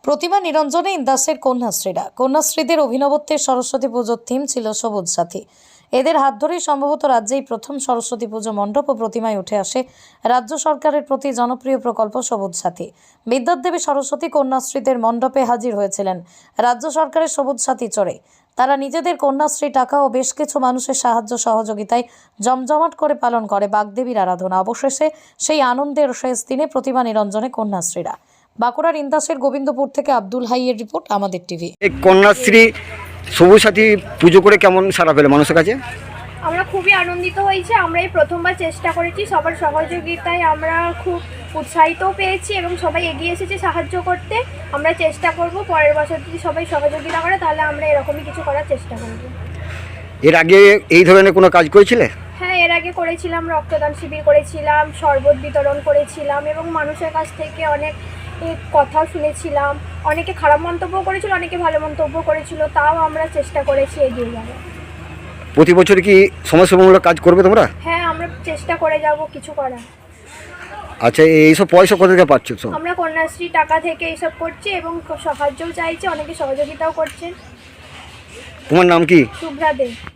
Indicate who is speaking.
Speaker 1: প্রতিমা নিরঞ্জনে ইন্দাসের কন্যাশ্রীদের অভিনবত্বের সরস্বতী পুজোর থিম ছিল সবুজ সাথী। এদের হাত ধরেই সম্ভবত রাজ্যেই প্রথম সরস্বতী পুজো মণ্ডপ ও প্রতিমায় উঠে আসে রাজ্য সরকারের প্রতি জনপ্রিয় প্রকল্প সবুজ সাথী। বিদ্যাদেবী সরস্বতী কন্যাশ্রীদের মণ্ডপে হাজির হয়েছিলেন রাজ্য সরকারের সবুজ সাথী চড়ে। তারা নিজেদের কন্যাশ্রী টাকা ও বেশ কিছু মানুষের সাহায্য সহযোগিতায় জমজমাট করে পালন করে বাগদেবীর আরাধনা। অবশেষে সেই আনন্দের শেষ দিনে প্রতিমা নিরঞ্জনে কন্যাশ্রীরা। বাঁকুড়ার ইন্দাসের গোবিন্দপুর থেকে আব্দুল হাইয়ের রিপোর্ট, আমাদের টিভি।
Speaker 2: এই কন্যাশ্রী সবুজ সাথী পুজো করে কেমন সাড়া পেলে মানুষের কাছে?
Speaker 3: আমরা খুবই আনন্দিত হয়েছি। আমরা এই প্রথমবার চেষ্টা করেছি, সবার সহযোগিতায় আমরা খুব উৎসাহিতও পেয়েছি এবং সবাই এগিয়ে এসেছে সাহায্য করতে। আমরা চেষ্টা করব পরের বছর যদি সবাই সহযোগিতা করে তাহলে আমরা এরকমই কিছু করার চেষ্টা করব।
Speaker 2: এর আগে এই ধরনের কোনো কাজ করেছিলে?
Speaker 3: হ্যাঁ, এর আগে করেছিলাম, রক্তদান শিবির করেছিলাম, শরবত বিতরণ করেছিলাম এবং মানুষের কাছ থেকে অনেক কথা শুনেছিলাম। অনেকে খারাপ মন্তব্য করেছিল, অনেকে ভালো মন্তব্য করেছিল, তাও আমরা চেষ্টা করেছি এগিয়ে যাওয়ার।
Speaker 2: প্রতি বছর কি সমাজসেবামূলক কাজ করবে তোমরা?
Speaker 3: হ্যাঁ, আমরা চেষ্টা করে যাব কিছু করার।
Speaker 2: আচ্ছা, এইসব পয়সা কোথা থেকে পাচ্ছ?
Speaker 3: আমরা কন্যাশ্রী টাকা থেকে এইসব করছি এবং সাহায্যও চাইছি, অনেকে সহযোগিতাও করছেন।
Speaker 2: তোমার নাম কি?
Speaker 3: শুভ্রা দে।